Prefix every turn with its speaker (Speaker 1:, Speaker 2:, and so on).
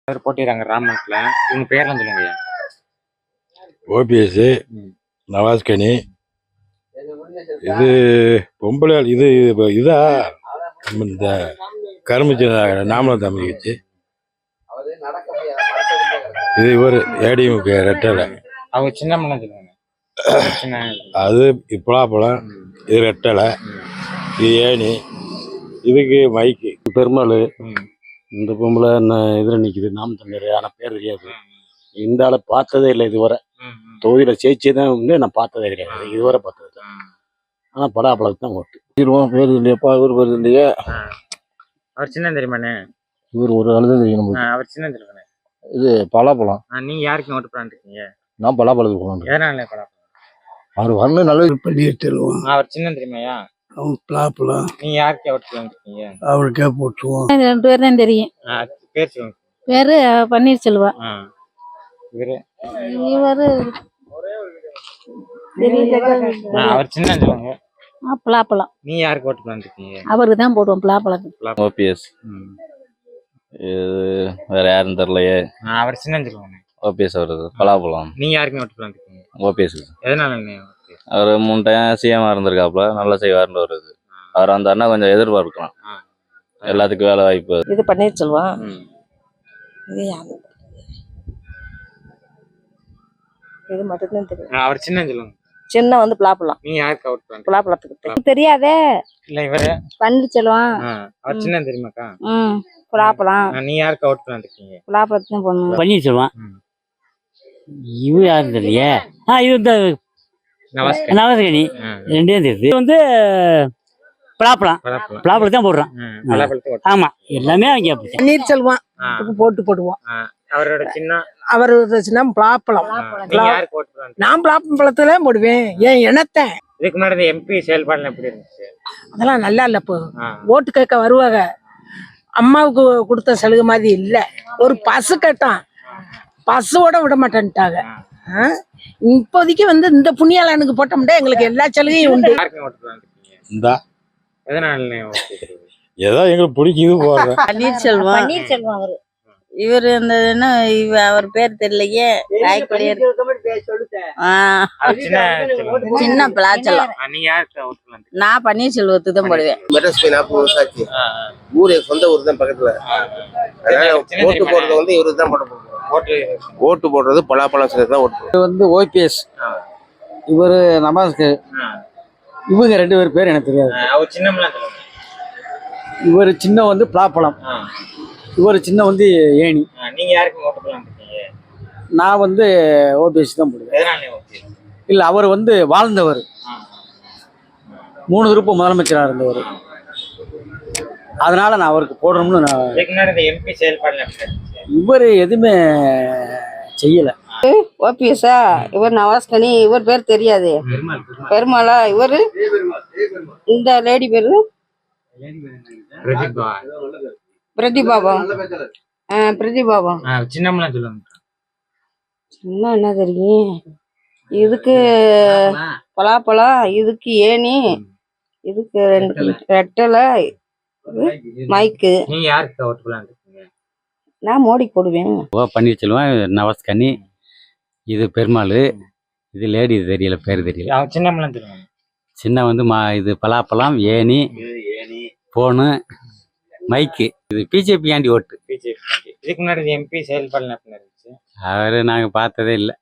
Speaker 1: பேர் போட்டிடுறாங்க ராமநாட்டில். இவங்க பேர்லாம் சொல்லுங்க.
Speaker 2: ஓபிஎஸ், நவாஸ்கனி, இது பொம்பளை, இது இதா இந்த கரும்பு நாமலம் தமிழ்ச்சி, இது இவர் ஏடிஎம்கே ரெட்டலை.
Speaker 1: அவங்க சின்ன சொல்லுவாங்க.
Speaker 2: அது பலாப்பழம், இது ரெட்டலை, இது ஏணி, இதுக்கு மைக்கு பெருமாள். இந்த பொம்பளை இதில் நிற்கிது நாம் தமிழர், ஆனால் பேர் தெரியாது. இந்த ஆளை பார்த்ததே இல்லை இதுவரை. தொகுதியில் ஜெயிச்சே தான் வந்து நான் பார்த்ததே கிடையாது, இதுவரை பார்த்தது தான். ஆனால் பலாப்பழத்துக்கு தான் ஓட்டு. பேர் இல்லையாப்பா, இவர் பேர் இல்லையா?
Speaker 1: அவர் சின்ன தெரியுமாண்ணே?
Speaker 2: இவர் ஒரு ஆளு தான் தெரியும்.
Speaker 1: அவர் சின்ன தெரியுமாண்ணே?
Speaker 2: இது பலாப்பழம்.
Speaker 1: நீங்க யாருக்கு ஓட்டு போலான்னு இருக்கீங்க?
Speaker 2: நான் பலாப்பழத்துக்கு போகலாம்.
Speaker 1: எதனால பலாப்பழம்?
Speaker 2: அவர் வரணும், நல்ல பள்ளியிட்டுருவோம்.
Speaker 1: அவர் சின்ன தெரியுமாயா?
Speaker 2: அவன் பலாப்பழம்.
Speaker 1: நீங்க யாருக்கு ஓட்டு போலான்னு இருக்கீங்க?
Speaker 2: அவருக்கே போட்டுருவோம்.
Speaker 3: 2 பேர் தான் தெரியும்.
Speaker 1: பேர் சொல்லுங்க.
Speaker 3: பேரு பன்னீர்செல்வம்.
Speaker 1: இவரு அவர் சின்ன சொல்லுவாங்க.
Speaker 3: பலாப்பழம்.
Speaker 1: நீ யாருக்கு ஓட்டு போலான்னு இருக்கீங்க?
Speaker 3: அவருக்கு தான் போடுவோம் பலாப்பழத்துக்கு.
Speaker 4: ஓபிஎஸ். வேற யாரும் தெரியலையே.
Speaker 1: அவர் சின்ன சொல்லுவாங்க.
Speaker 4: ஓபிஎஸ் அவரு பலாப்பழம்.
Speaker 1: நீங்க யாருக்குமே ஓட்டு போலான்னு இருக்கீங்க?
Speaker 4: ஓபிஎஸ்.
Speaker 1: எதனால?
Speaker 4: அவர் 3 டைம் சிஎம் இருந்திருக்காப்ல, நல்லா செய்வார்னு வருது. அவர் வந்தாருன்னா கொஞ்சம் எதிர்பார்க்கலாம், எல்லாத்துக்கும் வேலை வாய்ப்பு.
Speaker 5: இது பன்னீர்செல்வம். இது யாரு? இது மட்டும்தான் தெரியும்.
Speaker 1: அவர் சின்ன சொல்லுவாங்க.
Speaker 5: சின்ன வந்து பலாப்பழம்.
Speaker 1: நீங்க யாருக்கு ஓட்டு போலான்னு?
Speaker 5: பலாப்பழத்துக்கு தெரியாதே.
Speaker 1: இல்ல இவரு
Speaker 3: பன்னீர்செல்வம்.
Speaker 1: அவர் சின்ன தெரியுமாக்கா?
Speaker 5: பலாப்பழம்.
Speaker 1: நீ யாருக்கு ஓட்டு போலான்னு இருக்கீங்க?
Speaker 5: பலாப்பழத்துக்கு தான் போடணும்.
Speaker 6: பன்னீர்செல்வம். இவரு யாரும் தெரியலையே. இது நவாஸ்கனி. 2 தெரியுது. இது வந்து பலாப்பழம் தான் போடுறான். ஆமா, எல்லாமே அவங்க
Speaker 7: பன்னீர்செல்வம் போட்டு போடுவோம்.
Speaker 1: அவரோட சின்ன
Speaker 7: பலாப்பழம். நான் பலாப்பழத்துல போடுவேன். ஏன் இனத்தை
Speaker 1: இதுக்கு முன்னாடி எம்பி செயல்பாடு எப்படி இருந்துச்சு?
Speaker 7: அதெல்லாம் நல்லா இல்ல. இப்போ ஓட்டு கேட்க வருவாங்க, அம்மாவுக்கு கொடுத்த சலுகை மாதிரி இல்ல. ஒரு பசு கேட்டான், பசுவோட விட மாட்டேன்ட்டாங்க. இப்போதைக்கு வந்து இந்த புண்ணியாளனுக்கு போட்டோம்னா எங்களுக்கு எல்லா சலுகையும் உண்டு.
Speaker 2: ஏதோ எங்களுக்கு பிடிக்குது போடுறேன்.
Speaker 5: பன்னீர்செல்வம் அவரு. இவரு அவர் பேர் தெரியலையே. சின்ன பலாச்சலம். நான் பன்னீர்செல்வத்துக்கு தான் போடுவேன்.
Speaker 8: ஊரே சொந்த ஊர் தான் பக்கத்துல. ஓட்டு போடுறது வந்து இவருக்கு தான் போட. ஓட்டு போடுறது பலாப்பழம் தான் ஓட்டு.
Speaker 6: இது வந்து ஓபிஎஸ், இவரு நவாஸ்கர். இவங்க 2 பேர் எனக்கு தெரியாது. இவர் சின்ன வந்து பலாப்பழம், இவர் சின்ன வந்து ஏணி.
Speaker 1: நீங்க யாருக்கு ஓட்டு போலான்னு இருக்கீங்க?
Speaker 6: நான் வந்து ஓபிஎஸ் தான் போடுவேன். இல்ல, அவர் வந்து வாழ்ந்தவர், 3 விருப்பம் முதலமைச்சராக இருந்தவர். அதனால நான் அவருக்கு போடணும்னு
Speaker 1: எம்பி செயல்பாடு.
Speaker 6: இவர் எதுவுமே செய்யல.
Speaker 5: ஓபிஎஸ்ஸா? இவர் நவாஸ்கனி. இவர் பேர் தெரியாது. பெருமாளா? இவரு இந்த லேடி பேரு பிரதிபாபம். பிரதிபாபம்.
Speaker 1: சின்ன சொல்லுங்க.
Speaker 5: சின்ன என்ன தெரியும்? இதுக்கு பலாப்பழம், இதுக்கு ஏணி, இதுக்கு 2 ரெட்டலை, மைக்கு.
Speaker 1: நீங்க யாருக்கு ஓட்டு போலான்னு இருக்கீங்க?
Speaker 5: நான் மோடி போடுவேன்.
Speaker 6: பன்னீர்செல்வம், நவாஸ்கனி, இது பெருமாள், இது லேடி தெரியல, பேர் தெரியல.
Speaker 1: சின்ன சொல்லுவாங்க.
Speaker 6: சின்ன வந்து இது பலாப்பழம், ஏணி, போனு, மைக்கு. இது பிஜேபி ஆண்டி ஓட்டு.
Speaker 1: இதுக்கு முன்னாடி எம்பி செயல்பாடு.
Speaker 6: அவரு நாங்க பார்த்ததே இல்லை.